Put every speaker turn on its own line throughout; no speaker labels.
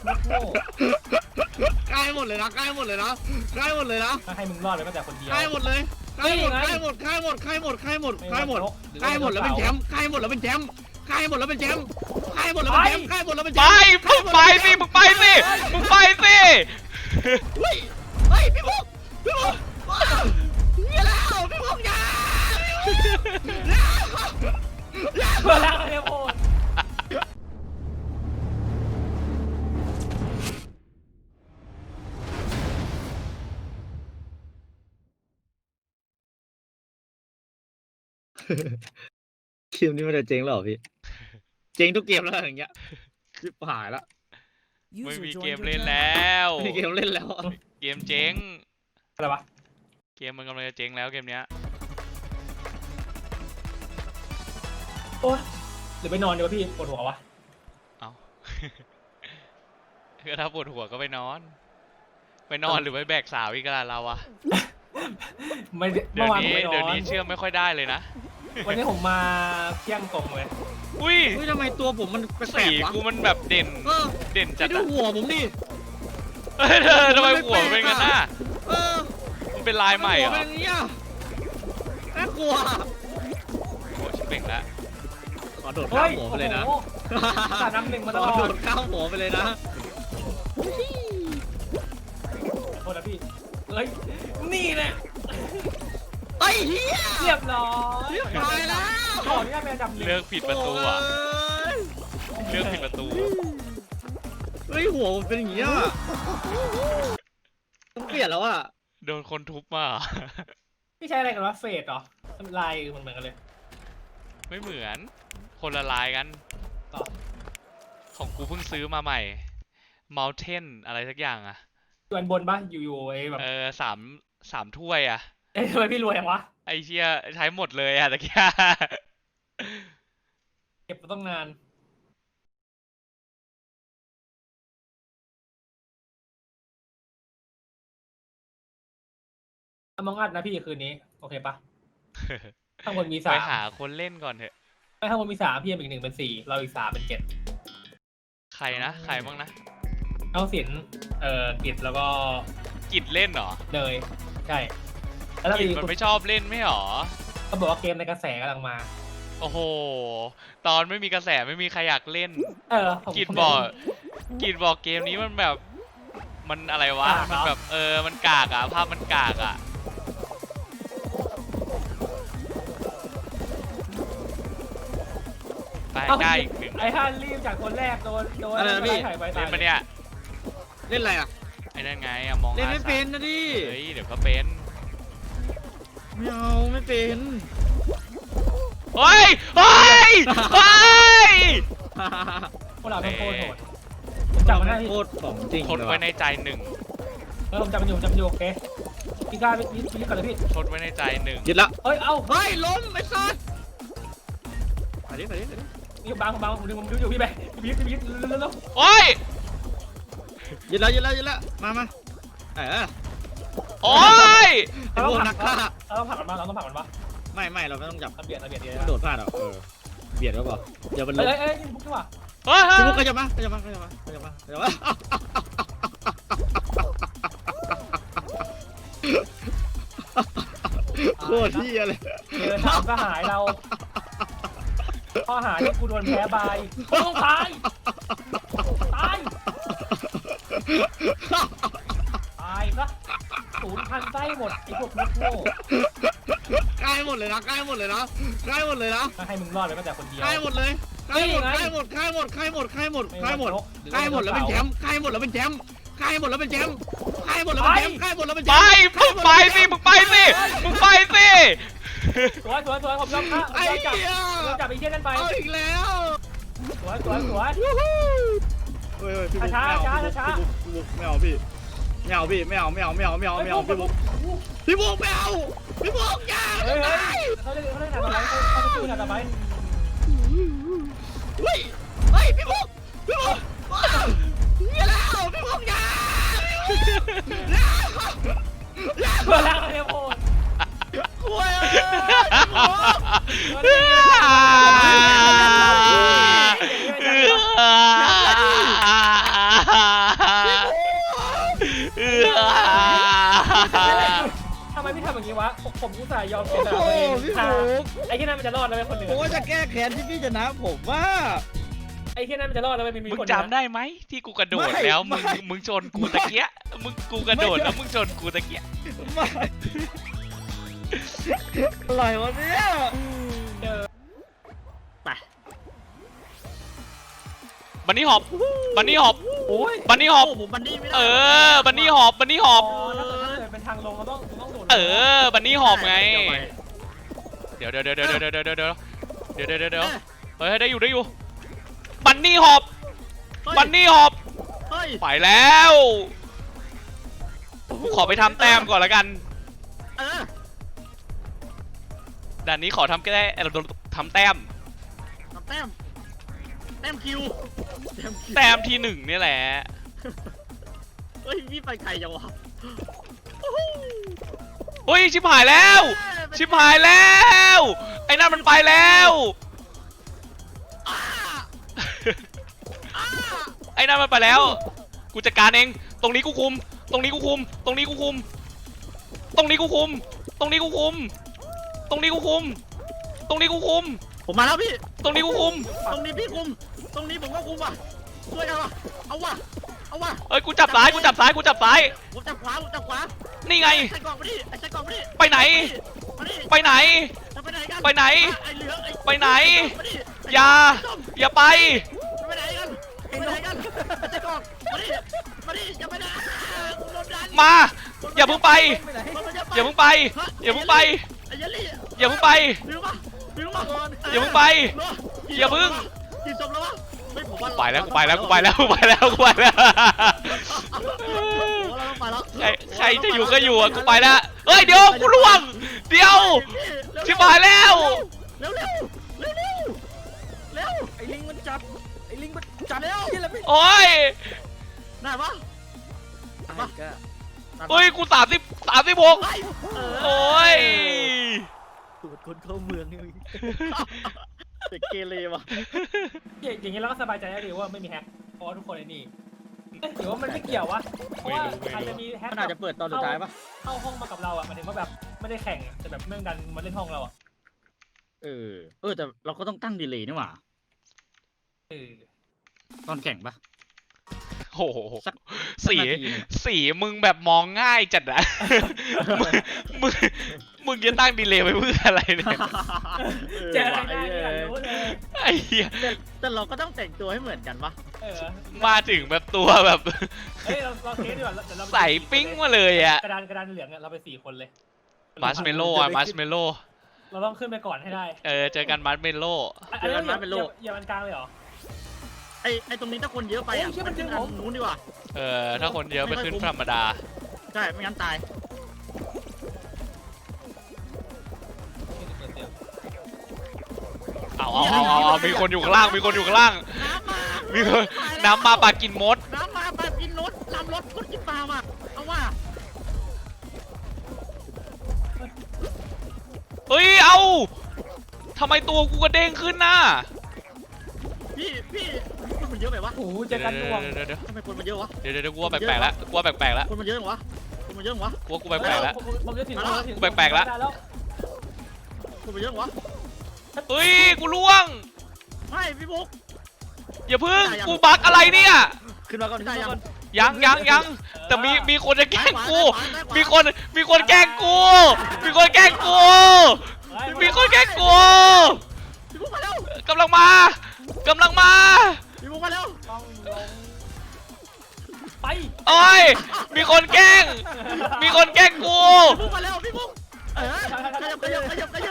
โง่
ใกล้หมดเลยนะใกล้หมดเลยนะใกล้หมดเลยนะ
ถ้าให้มึงรอดเลยก็แต่คนเดียว
ใกล้หมดเลยใกล้หมดใกล้หมดใกล้หมดใกล้หมดใกล้หมดใกล้หมดใกล้หมดแล้วเป็นแชมป์ใกล้หมดแล้วเป็นแชมป์ใกล้หมดแล้วเป็นแชมป์ใกล้หมดแล้วเป็นแชมป์ใกล้หมดแล้วเป็นแช
ไป
มป์
มึงไปสิมึงไปสิมึงไปสิ
เฮ้ยเฮ้ยพี่บุ๊กพี่บุ๊กอย่าแล้วพี่บุ๊กอย่า
เพื่อแล้วเนี่ยโอ้ย
เกมนี้มันจะเจ๊งหรอพี่เจ๊งทุกเกมแล้วอย่างเงี้ยชิบหายละ
ไม่มีเกมเล่นแล้ว
ไม่มีเกมเล่นแล้ว
เกมเจ๊ง
อะไรวะ
เกมมันกำลังจะเจ๊งแล้วเกมเนี้ย
โอ้ยหรือไปนอนดีวะพี่ปวดหัววะ
เอา ก็ถ้าปวดหัวก็ไปนอน ไปนอนหรือไปแบกสาวอีกแล้วเราอะ
ไม่
เดี๋
เมื่
ย
อ
ว
วานผม
นี้
ไปนอน
เดี๋ยวนี้เชื่อไม่ค่อยได้เลยนะ
วันนี้ผมมาเที่ยงตรงเลย
อุ้ย
เฮ้ยทำไมตัวผมมันแปล
สี
กๆวะ
กูมันแบบเด่น
เออ
เด่นจั
จะ
ด
ดู
อะ
หัวผมดิ
เฮ้ยเธอทำไมหัวเป็นงั้นน่ะ
เออ
มันเป็นลายใหม่เหร
หัว
อ
เป็นอย่างนี้อ่ะน่ากลัว
โอ้ชิบเป่งแล้ว
ขอโดดข้ามหัวไปเลยนะ
โอ้โหสาดน้ำหนึ่งมาต
ข
ล
อ
อ
โด
ด
ดข้ามหัวไปเลยนะ
โทษนะพี่เฮ้ยนี่แหละ
ไอ้เหี้ย
เรียบร้อย
ตายแล้ว
ขออนุญาตเป็นอันดับหนึ่ง
เลือกผิดประตูอ่ะ
โย
เลือกผิดประตู
เฮ้ยหัวผมเป็นอย่างนี้อ่ะต้องเปลี่ยนแล้วอ่ะ
โดนคนทุบมาเหรอ
พี่ใช้อะไรกันวะเฟสเหรอลายเหมือนกันเลย
ไม่เหมือน คนละลายกัน
ต่อ
ของกูเพิ่งซื้อมาใหม่ Mountain อะไรสักอย่างอะ
อยู่อันบนปะอยู่ไอ้แบบ
สามถ้วยอะ
เอ้ยทำไมพี่รวยอย่างวะ
ไอเชี่ยใช้หมดเลยอะตะกี้
เก็บมาต้องนานมองอัดนะพี่คืนนี้โอเคปะข้างบนมี
ไป
สาม
หาคนเล่นก่อนเถอะ
ข้างบนมีสามพี่อีกหนึ่งเป็นสี่เราอีกสามเป็นเจ็ด
ใครนะ ใครบ้างนะ
เอาสินกิจแล้วก็
กิดเล่นเหรอ
เนยใช่แล้วเรา
กิด
อีก
มันไม่ชอบเล่นไม่หรอ
เขาบอกว่าเกมในกระแสกำลังมา
โอ้โห ตอนไม่มีกระแสไม่มีใครอยากเล่น
ผม
กิดบอกเกมนี้มันแบบ มันอะไรวะ มันแบบมันกากอะภาพมันกากอะไปใกล้อีกหนึ่ง
ไอ้ฮันรีบจากคนแรกโดนถ่ายไป
เล่
ตาย
นมาเนี่ย
เล่นอะไรอ่ะ
ไอ้นั่นไงอะมอง
เล่นไม่เป็นนะดิ
เฮ้ยเดี๋ยวก็เป็น
ไม่เอาไม่เป็น
เฮ้ยเฮ้ยเฮ้ย
พวกเราต้องโคตรโหดผมจับมันได้
โคตรของจริง
ทดไว้ในใจหนึ่ง
ผมจับมันอยู่โอเคพี่กล้าพี่ก่อนเลยพี่
ทดไว้ในใจหนึ่ง
ยึดละ
เอ้ยเอ้า
เฮ้ยล้มไอ้สัสไปดิไปดิไปดิ
นี่บังผมดูอยู่พี่ไปพี่แล้ว
โอ้ย
ยึดละมา
โอ้ย
ไอ้พวกนักฆ่า
เราต้องผลักมันมาเราต้องผลักมันมา
ไม่เราไม่ต้องจับ
เบียดดี
มันโดดพลาดหรอเบียดก็พอเดี๋ยวมันล้ม
เอ้ยนี่บุ๊กดีกว่า
เฮ้ย
พี่บุ๊กก็จะมาโคตรเที่ยเลย
เจอถามก็หายเราข้อหาที่กูโดนแพ้บายต้องตายซะ0,000ไส้หมดไอ้พวกนักโง่
ใกล้หมดเลยนะให้มึง
รอดเลยก็แต่คนเดียว
ใกล้หมดแล้วเป็นแชมป์ใกล้หมดแล้วเป็นแชมป์
ไปมึงไปสิมึงไปสิ
สวยผมยอมครับ
ไอ้เหี้ย
จับไอ้เชี่ยนั่นไป
เอาอีกแล้ว
สวย
พี่บุ๊กไม่เอาพี่ไม่เอาพี่ไม่เอาพี่บุ๊กอย่า
เฮ้ยเขาเล่นหนักต่อไปเขาไปสู้หนักต่อไป
เฮ้ยพี่บุ๊กอย่าแล้วพี่บุ๊กอย่า
เพื่อแล้วเนี่ยโอ้
คุย
ผมอุตส่าห์ยอมเสี
โอ้
ยส
โห
ละตัวเอง
พี่
ค่ะ
ฟุก
ไอ้ที่นั่นมันจะรอดแล้วไหมคนหนึ่ง
ผมว่าจะแก้แค้นที่พี่ชนะผมว่า
ไอ้ที่นั่นมันจะรอดแล้วไหมมี
มึง
คน
จำได้ไหมที่กูกระโดดแล้วมึงชนกูตะเกียกูกระโดดแล้วมึงชนกูตะเกีย
ไม่อะไรวะเนี่ย
เจอ
บันนี่หอบบันนี่หอบ
โอ้ย
บันนี่หอบ
โอ้ผมบันนี่ไม่ได้
บันนี่หอบบันนี่หอบ
อ๋อถ้าเกิดเป็นทางลงเราต้องโดด
บันนี่หอบไง
เดี๋ยวไป
เดี๋ยวเฮ้ยได้อยู่บันนี่หอบ
เฮ้ย
บันนี่หอบ
เฮ้ย
ไปแล้วกูขอไปทำแต้มก่อนละกัน
เออ
ด่านนี้ขอทำแค่ทำแต้ม
แต้มแต้มคิวคิว
แต้มที่1นี่แหละ
เฮ้ยพี่ไปไกลจังวะ
เฮ้ยชิบหายแล้ว ชิบหายแล้วไอ้นั่นมันไปแล้วไอ้นั่นมันไปแล้วกูจัดการเองตรงนี้กูคุมตรงนี้กูคุมตรงนี้กูคุมตรงนี้กูคุมตรงนี้กูคุมตรงนี้กูคุมตรงนี้กูคุม
ผมมาแล้วพี่
ตรงนี้กูคุม
ตรงนี้พี่คุม ตรงนี้ผมก็คุมว่ะช่วยกันว่ะเอาว่ะเอาว่ะ
เอ้ยกูจับซ้ายกูจับซ้ายกูจับซ้าย
ผมจับขวาผมจับขวา
นี่ไง
ใส่กล่องมาดิใส่กล่องมาดิ
ไปไหน
มาดิ
ไปไหน
จะไปไหนกัน
ไปไหน
ไอ้เหลือง
ไปไหน
มาดิ
อย่า
ส้ม
อย่าไป
ไปไหนกันไปไหนกันใส่กล่องมาดิมาดิอย่าไปไหนกูโดนดัน
มา อย่าเพิ่งไป
ไปไหน
อย่าเพิ่งไป อย่าเพิ่งไป
ไอ้ยัลลี่
อย่าเพิ่งไป
บิวมาบิวมาก่อน
อย่าเพิ่งไป อย่าเพิ่ง
กี่ศพแล้ววะไม่ผมว่า
ไปแล้วกูไปแล้วกูไปแล้วกูไปแล้วกูไปแล้ว
ผมว่าเราต้องไปแล้ว
ใครจะอยู่ก็อยู่อ่ะกูไปแล้วเฮ้ยเดี๋ยวกูล่วงเดี๋ยวชิบหายแล้ว
เร็วเร็วเร็วเร็วเร็ว
ไอ้ลิงมันจับไอ้ลิงมันจับที่ละพี่
โอ้ย
ได้ปะ
ไอ้ก็
เฮ้ยกู36โอ้ย
ตรวจคนเข้าเมืองนี่
เด็กเกเรวะ
อย่างนี้เราก็สบายใจได้ดีว่าไม่มีแฮกเพราะว่าทุกคนไอ้นี่หรือว่ามันไม่เกี่ยววะเพราะว่าอาจจะมีแฮก
มันอาจจะเปิดตอนสุดท้ายปะ
เข้าห้องมากับเราอ่ะหมายถึงว่าแบบไม่ได้แข่งแต่แบบเรื่องดันมาเล่นห้องเราอ่ะ
แต่เราก็ต้องตั้งดีเลย์นี่หว่า
เออ
ตอนแข่งปะ
โอ้โห
สัก
สี
นาทีหนึ่ง
สีมึงแบบมองง่ายจัดอะมึงมึงจะตั้งดีเลย์ไว้เพื่ออะไรเนี่ย
เจออะไรได้อยากรู้เลย
ไอ้เหี้ย
แต่เราก็ต้องแต่งตัวให้เหมือนกันปะ
เออ
มาถึงแบบตัวแบบ
เฮ้ยเราเทสดีกว่าเดี๋ยวเรา
ใส่ปิ้งมาเลยอะ
กระดานเหลืองเราไป4 คนเลย
มัชเมลโล่อะมัชเมลโล่
เราต้องขึ้นไปก่อนให้ได้
เจอกันมัชเมลโล่
อันนี้อย่ามันกลางเลยเหรอ
ไอตรงนี้ถ้าคนเยอะไปอ่ะ
โอ้ยเชี่ยมันดึง
อั
ผม
นู้นดีกว่า
ถ้าคนเยอะไปขึ้นธรรมดา
ใช่ ไม่งั้นตาย
เอามีคนอยู่ข้างล่างมีคนอยู่ข้างล่าง
น้ำมา
มีคนน้ำมาปลากินมด
น้ำมาไปกินรถนำรถคนกินปลามาเอาว่า
เฮ้ยเอาทำไมตัวกูกระเด้งขึ้นน่ะ
พี่คนมันเยอะไปวะ
โอ้โหเจอกันดวง
เดี๋ยว
ทำไมคนมันเยอะวะ
เดี๋ยวกูว่าแปลกๆแล้วกูว่าแปลกๆแล้ว
คนมันเยอะวะคนมันเยอะวะ
กูแปลกๆแล้ว
ผมจะถึง
แปลกๆแล้ว
คนมันเยอะวะ
เฮ้ยกูล่วง
ไม่พี่บุ๊ก
อย่าพึ่งกูบักอะไรเนี่ย
ขึ้นมาก่อนขึ้นมาก่อน
ยังแต่มีคนจะแกล้งกูมีคนแกล้งกูมีคนแกล้งกูมีคนแกล้งกู
พี่บุ๊กมาเร็ว
กำลังมา
พี่บุ๊กมาเร็ว
ต้องลงไป
โอ้ยมีคนแกล้งกู
พี่บุ๊กมาเร็วพี่บุ๊กขยับ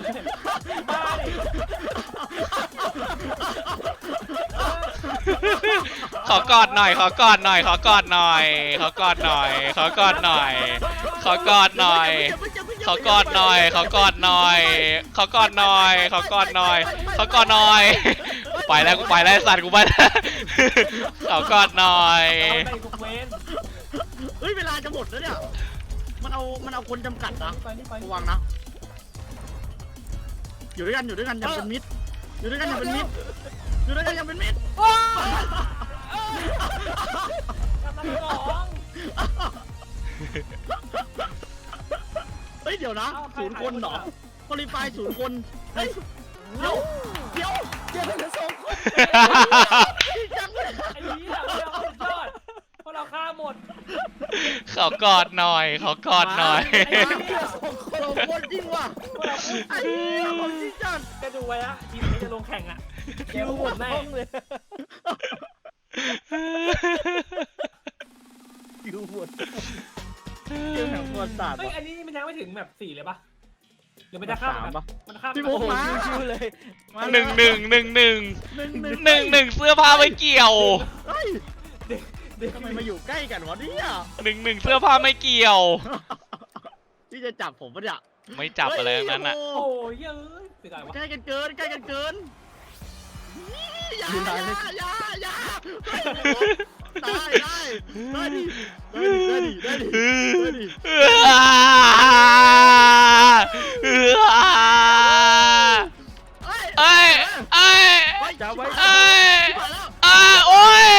ขอกอดหน่อยขอกอดหน่อยขอกอดหน่อยขอกอดหน่อยขอกอดหน่อยขอกอดหน่อยขอกอดหน่อยขอกอดหน่อยขอกอดหน่อยขอกอดหน่อยขอกอดหน่อยไปแล้วกูไปแล้วสัตว์กูไปแล้วขอกอดหน่อย
ไปทุกเวน
เฮ้ยเวลาจะหมดแล้วเนี่ยมันเอาคนจำกัดนะ
นี่ไประ
วังนะอยู่ด้วยกันอย่าเป็นมิตรอยู่ด้วยกันอย่าเป็นมิตร
กำลังสอง
เฮ้ย
เดี๋ยวนะ0 คนเหรอคอลิฟาย0 คนเฮ้ยเดี๋ยวเจอกัน2 คนจังเลย
ไอ้เหี้ยพวกเราสุดยอดพวกเราฆ่าหมด
ขอกอดหน่อยขอกอดหน่อย
2 คนจริงว่ะ
พวกเราพูด
ไอ้เหี้ยของจริงจัง
จะดูไว้อะทีมนี้จะลงแข่งอะเกมหมดแน่
คิวหมดเกมแห่งประวัติศาสตร์
เฮ้ยอันนี้มันยังไม่ถึงแบบ4เลยปะหรือมันจะข้าม
3 ปะ
มันข้าม
พี่โมกมาชิวๆเลย
หนึ่งเสื้อผ้าไม่เกี่ยว
เฮ้ยทำไมมาอยู่ใกล้กันวะเนี่ย
หนึ่งเสื้อผ้าไม่เกี่ยว
พี่จะจับผมปะเนี่ย
ไม่จับอะไรทั้งนั้นอ่ะ
โอ้ยเยอะเสียดายวะ
ใกล้กันเกินอย่าได้ดิ
เอ้ย
จับไว้
โอ้ย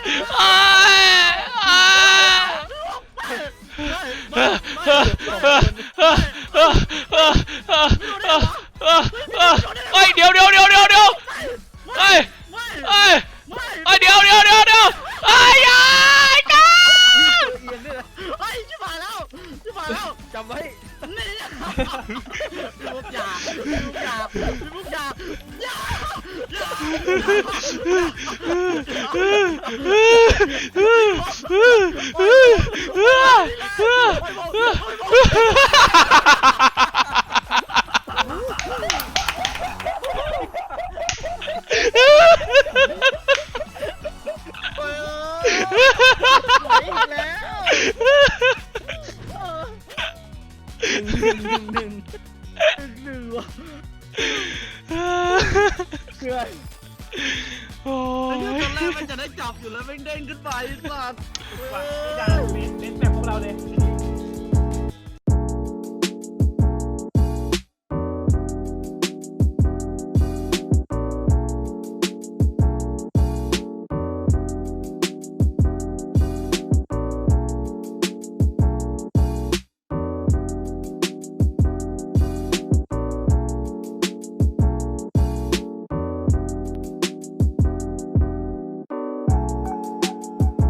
เฮ้ยเดี๋ยวเฮ้ยเดี๋ยวไอ้ก้า
เอียงด้วยนะเฮ้ยชิบหายแล้วจำไว้นี่พี่มุกอย่าหนึ่งว่ะเกิน
โอ้
ตอน
ย
แรกมันจะได้จับอยู่แล้วแม่งเด้งขึ้นไปสัตว์
ว่ะไม่ได้เล่นแบบพวกเราเลย